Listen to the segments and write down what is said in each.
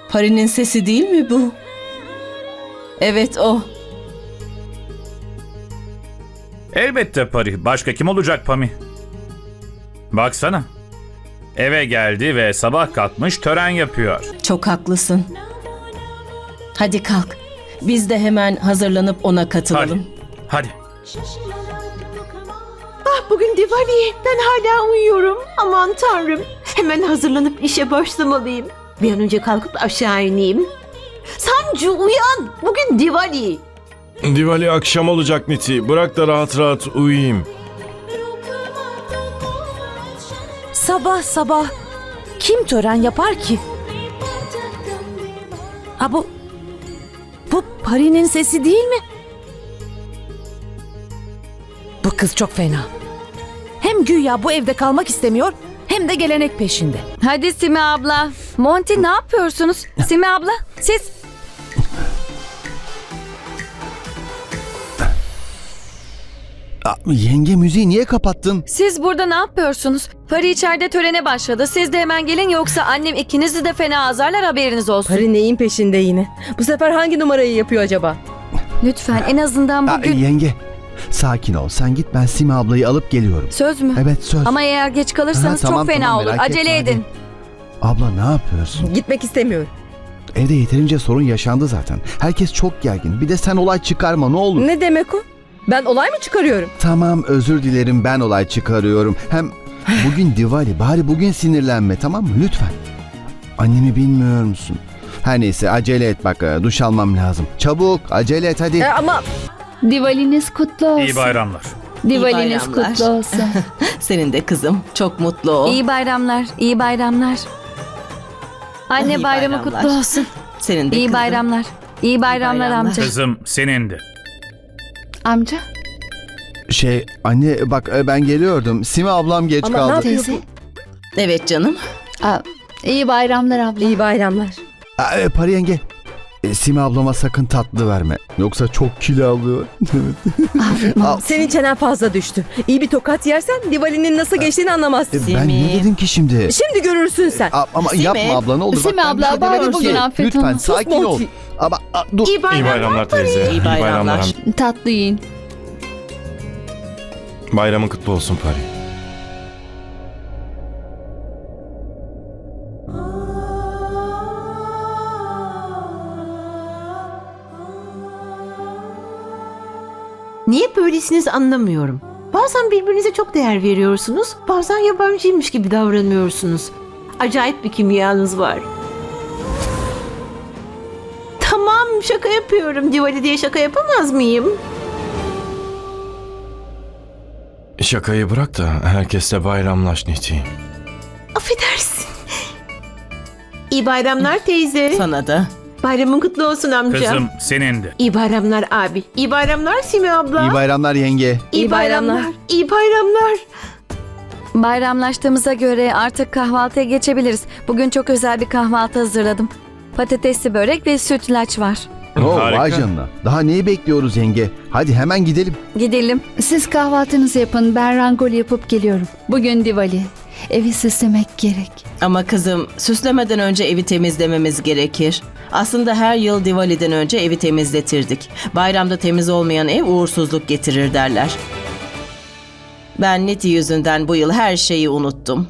Pari'nin sesi değil mi bu? Evet o. Elbette Pari. Başka kim olacak Pami? Baksana. Eve geldi ve sabah kalkmış tören yapıyor. Çok haklısın. Hadi kalk. Biz de hemen hazırlanıp ona katılalım. Hadi. Bugün Diwali. Ben hala uyuyorum. Aman tanrım. Hemen hazırlanıp işe başlamalıyım. Bir an önce kalkıp aşağı ineyim. Sancu uyan. Bugün Diwali. Diwali akşam olacak Niti. Bırak da rahat rahat uyuyayım. Sabah sabah kim tören yapar ki? Ha bu Pari'nin sesi değil mi? Bu kız çok fena. Hem güya bu evde kalmak istemiyor hem de gelenek peşinde. Hadi Sime abla. Monty ne yapıyorsunuz? Sime abla siz... Yenge müziği niye kapattın? Siz burada ne yapıyorsunuz? Pari içeride törene başladı. Siz de hemen gelin yoksa annem ikinizi de fena azarlar haberiniz olsun. Pari neyin peşinde yine? Bu sefer hangi numarayı yapıyor acaba? Lütfen en azından bugün... Yenge sakin ol, sen git, ben Sime ablayı alıp geliyorum. Söz mü? Evet, söz. Ama eğer geç kalırsanız Tamam, çok fena tamam, olur. merak Acele etme, edin. Abla ne yapıyorsun? Gitmek istemiyorum. Evde yeterince sorun yaşandı zaten. Herkes çok gergin. Bir de sen olay çıkarma ne olur. Ne demek o? Ben olay mı çıkarıyorum? Tamam, özür dilerim, ben olay çıkarıyorum. Hem bugün Diwali, bari bugün sinirlenme, tamam mı? Lütfen. Annemi bilmiyor musun? Her neyse, acele et bak, duş almam lazım. Çabuk acele et hadi. Ama Divaliniz kutlu olsun. İyi bayramlar. Divaliniz İyi bayramlar. kutlu olsun. Senin de kızım. Çok mutlu ol. İyi bayramlar, iyi bayramlar. Anne İyi bayramı bayramlar. kutlu olsun. Senin de İyi kızım. bayramlar. İyi bayramlar bayramlar. amca. Kızım senindi. Amca. Anne bak, ben geliyordum. Sime ablam geç Ama ne kaldı. yapıyor? Teyze. Evet canım. İyi bayramlar abla. İyi bayramlar. Pari yenge. Sime ablama sakın tatlı verme. Yoksa çok kilo alıyor. Al. Senin çenen fazla düştü. İyi bir tokat yersen Diwali'nin nasıl geçtiğini anlamazsın. Ben ne dedim ki şimdi? Şimdi görürsün sen. Ama Sime. yapma abla ne olur. Bak, Sime ben bir abla, şey bari demedim bugün ki. affet Lütfen onu. sakin Sus ol. Monty. Ama dur. İyi İyi bayramlar. bayramlar teyze. İyi bayramlar. Tatlı yiyin. Bayramın kutlu olsun Pari. Niye böylesiniz anlamıyorum. Bazen birbirinize çok değer veriyorsunuz. Bazen yabancıymış gibi davranıyorsunuz. Acayip bir kimyanız var. Tamam, şaka yapıyorum. Diwali diye şaka yapamaz mıyım? Şakayı bırak da herkesle bayramlaş Niti. Affedersin. İyi bayramlar teyze. Sana da. Bayramın kutlu olsun amca. Kızım senindi. İyi bayramlar abi. İyi bayramlar Sime abla. İyi bayramlar yenge. İyi bayramlar. İyi bayramlar. Bayramlaştığımıza göre artık kahvaltıya geçebiliriz. Bugün çok özel bir kahvaltı hazırladım. Patatesli börek ve sütlaç var. Harika. Vay canına. Daha neyi bekliyoruz yenge? Hadi hemen gidelim. Gidelim. Siz kahvaltınızı yapın. Ben rangoli yapıp geliyorum. Bugün Diwali. Evi süslemek gerek. Ama kızım, süslemeden önce evi temizlememiz gerekir. Aslında her yıl Diwali'den önce evi temizletirdik. Bayramda temiz olmayan ev uğursuzluk getirir derler. Ben Niti yüzünden bu yıl her şeyi unuttum.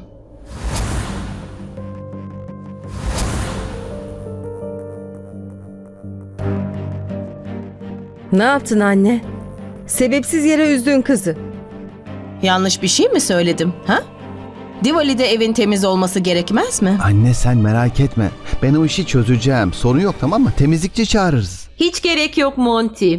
Ne yaptın anne? Sebepsiz yere üzdün kızı. Yanlış bir şey mi söyledim, ha? Diwali'de evin temiz olması gerekmez mi? Anne sen merak etme. Ben o işi çözeceğim. Sorun yok, tamam mı? Temizlikçi çağırırız. Hiç gerek yok Monty.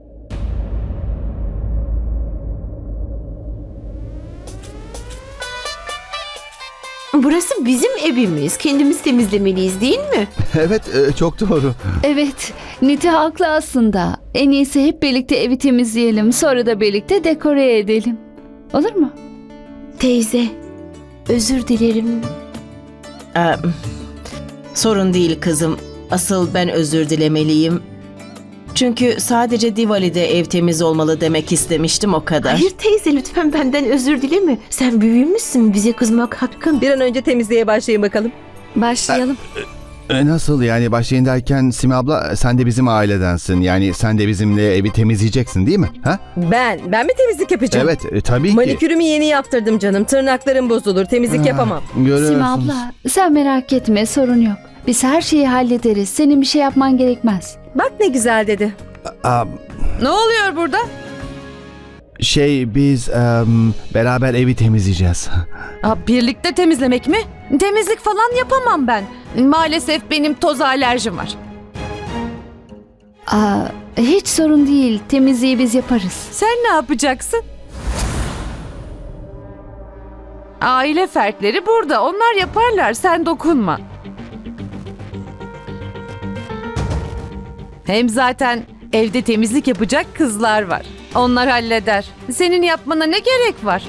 Burası bizim evimiz. Kendimiz temizlemeliyiz değil mi? Evet, çok doğru. Evet. Niti haklı aslında. En iyisi hep birlikte evi temizleyelim. Sonra da birlikte dekore edelim. Olur mu? Teyze, özür dilerim. Ee, sorun değil kızım. Asıl ben özür dilemeliyim. Çünkü sadece Diwali'de ev temiz olmalı demek istemiştim, o kadar. Hayır teyze, lütfen benden özür dileme. Sen büyümüşsün, bize kızmak hakkın. Bir an önce temizliğe başlayın bakalım. Başlayalım. Nasıl yani başlayın derken Simi abla sen de bizim ailedensin. Yani sen de bizimle evi temizleyeceksin değil mi? Ha? Ben mi temizlik yapacağım? Evet tabii ki. Manikürümü yeni yaptırdım canım. Tırnaklarım bozulur. Temizlik yapamam. Görüyorsunuz. Sima abla sen merak etme, sorun yok. Biz her şeyi hallederiz. Senin bir şey yapman gerekmez. Bak ne güzel dedi. Aa, Ne oluyor burada? biz beraber evi temizleyeceğiz. Birlikte temizlemek mi? Temizlik falan yapamam ben. Maalesef benim toz alerjim var. Hiç sorun değil. Temizliği biz yaparız. Sen ne yapacaksın? Aile fertleri burada. Onlar yaparlar. Sen dokunma. Hem zaten evde temizlik yapacak kızlar var. Onlar halleder. Senin yapmana ne gerek var?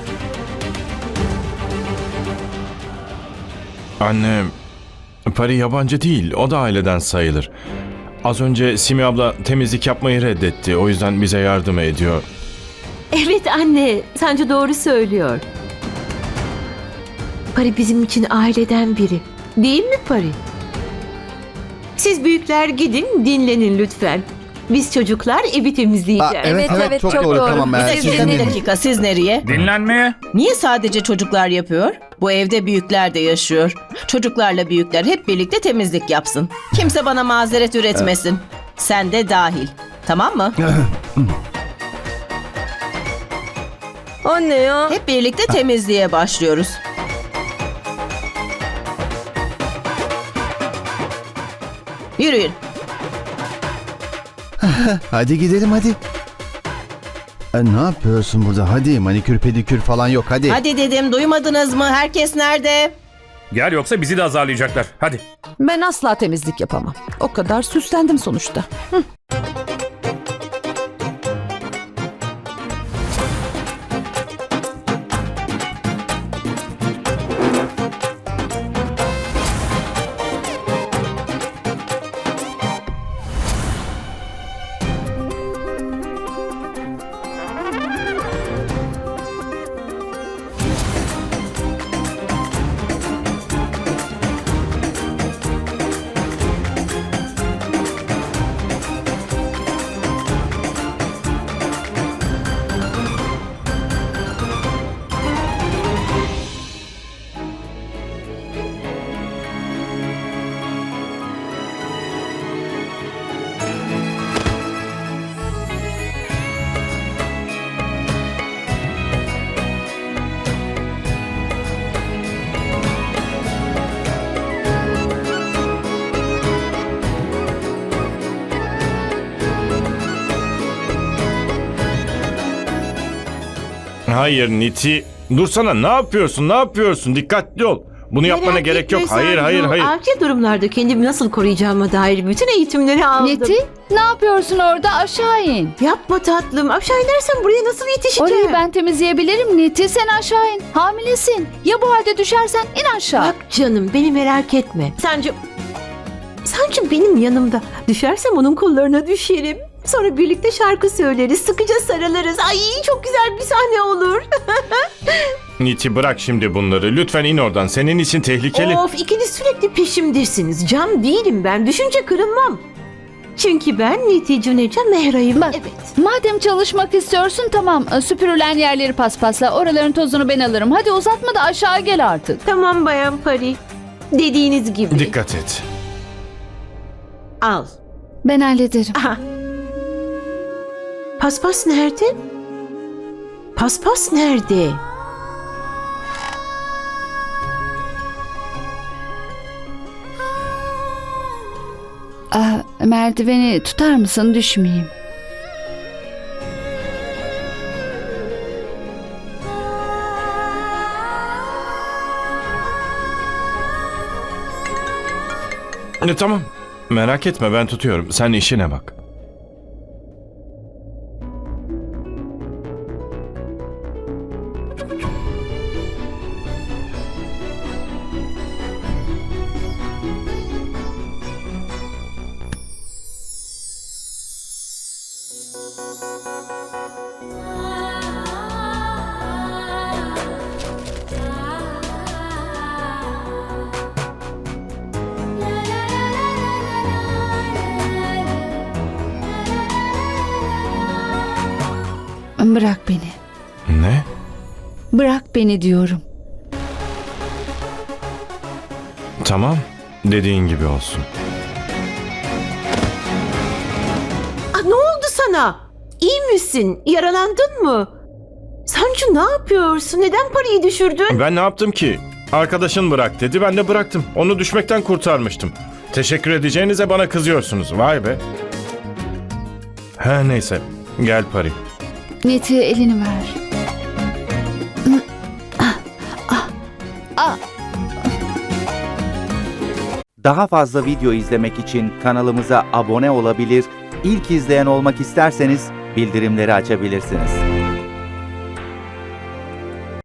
Anne, Pari yabancı değil. O da aileden sayılır. Az önce Simi abla temizlik yapmayı reddetti. O yüzden bize yardım ediyor. Evet anne, Sancı doğru söylüyor. Pari bizim için aileden biri. Değil mi Pari? Siz büyükler gidin dinlenin lütfen. Biz çocuklar evi temizleyeceğiz. Evet, çok çok doğru. doğru. Tamam, Bir siz dakika, bir dinleyin. dakika. Siz nereye? Dinlenmeye. Niye sadece çocuklar yapıyor? Bu evde büyükler de yaşıyor. Çocuklarla büyükler hep birlikte temizlik yapsın. Kimse bana mazeret üretmesin. Sen de dahil. Tamam mı? Anne ya. Hep birlikte temizliğe başlıyoruz. Yürüyün. Hadi gidelim hadi. Ne yapıyorsun burada? Hadi manikür pedikür falan yok hadi. Hadi dedim, duymadınız mı? Herkes nerede? Gel yoksa bizi de azarlayacaklar. Hadi. Ben asla temizlik yapamam. O kadar süslendim sonuçta. Hayır Niti. Dursana, ne yapıyorsun? Ne yapıyorsun? Dikkatli ol. Bunu yapmana Merak gerek etme yok. Hayır, Sancu. hayır, hayır. Acil durumlarda kendimi nasıl koruyacağıma dair bütün eğitimleri aldım. Neti, ne yapıyorsun orada? Aşağı in. Yapma tatlım. Aşağı inersem buraya nasıl yetişeceğim? Orayı ben temizleyebilirim Neti. Sen aşağı in. Hamilesin. Ya bu halde düşersen in aşağı. Bak canım beni merak etme. Sancı benim yanımda. Düşersem onun kollarına düşerim. Sonra birlikte şarkı söyleriz, sıkıca sarılırız. Ay çok güzel bir sahne olur. Niti bırak şimdi bunları. Lütfen in oradan. Senin için tehlikeli. Of ikiniz sürekli peşimdesiniz. Cam değilim ben. Düşünce kırılmam. Çünkü ben Niti Cuneca Mehra'yım. Bak. Evet. Madem çalışmak istiyorsun tamam. Süpürülen yerleri paspasla. Oraların tozunu ben alırım. Hadi uzatma da aşağı gel artık. Tamam Bayan Pari. Dediğiniz gibi. Dikkat et. Al. Ben hallederim. Aha. Paspas nerede? Paspas nerede? Merdiveni tutar mısın? Düşmeyeyim. Tamam. Merak etme, ben tutuyorum. Sen işine bak. Bırak beni. Ne? Bırak beni diyorum. Tamam. Dediğin gibi olsun. Ne oldu sana? İyi misin? Yaralandın mı? Sancu ne yapıyorsun? Neden parayı düşürdün? Ben ne yaptım ki? Arkadaşın bırak dedi, ben de bıraktım. Onu düşmekten kurtarmıştım. Teşekkür edeceğinize bana kızıyorsunuz. Vay be. Her neyse. Gel Pari. Niti, elini ver. Daha fazla video izlemek için kanalımıza abone olabilir, ilk izleyen olmak isterseniz bildirimleri açabilirsiniz.